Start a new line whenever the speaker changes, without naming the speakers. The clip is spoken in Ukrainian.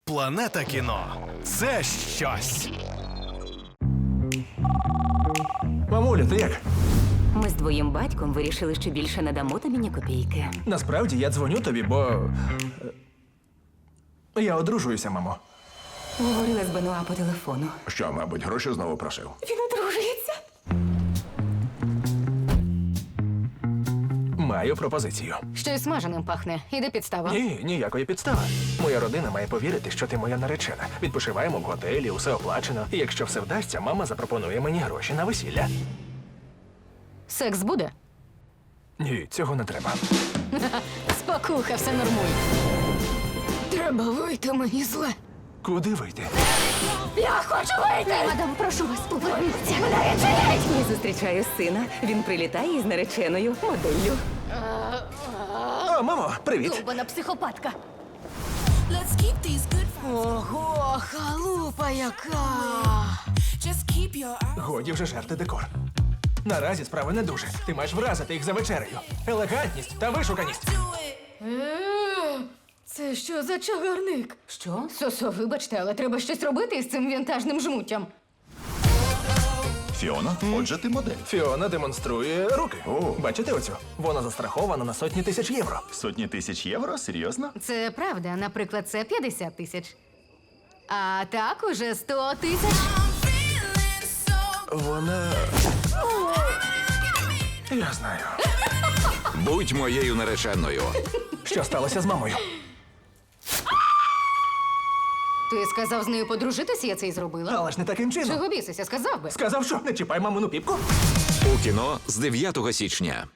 Планета кіно – це щось.
Мамуля, ти як?
Ми з твоїм батьком вирішили, що більше не дамо тобі ні копійки.
Насправді я дзвоню тобі, бо. Я одружуюся, мамо.
Говорила з Бенуа по телефону.
Що, мабуть, гроші знову просив?
Він одружується.
Маю пропозицію.
Щось смаженим пахне. Іде підстава.
Ні, ніякої підстави. Моя родина має повірити, що ти моя наречена. Відпочиваємо в готелі, усе оплачено. І якщо все вдасться, мама запропонує мені гроші на весілля.
Секс буде?
Ні, цього не треба.
Спокуха, все нормуй. Треба вийти, мені зле.
Куди вийти?
Я хочу вийти! Мадам, прошу вас, поверніться. Мене відчиніть!
Я зустрічаю сина. Він прилітає із нареченою моделлю.
О, мамо, привіт.
Довбана психопатка.
Let's keep these good vibes.
Ого, халупа яка!
Just keep your eyes.
Годі вже жерти декор. Наразі справи не дуже. Ти маєш вразити їх за вечерею. Елегантність та вишуканість.
Do it.
Це що за чагарник?
Що?
Сосо, вибачте, але треба щось робити із цим вінтажним жмуттям.
Фіона, отже, ти модель.
Фіона демонструє руки.
О.
Бачите оцю? Вона застрахована на сотні тисяч євро.
Сотні тисяч євро? Серйозно?
Це правда, наприклад, це 50 тисяч. А так уже 100 тисяч.
I'm feeling so.
Вона. Я знаю.
Будь моєю нареченою.
Що сталося з мамою?
Ти сказав з нею подружитися, я це й зробила.
Але ж не таким чином.
Чого бісися, сказав би.
Сказав, що не чіпай мамину піпку.
У кіно з 9 січня.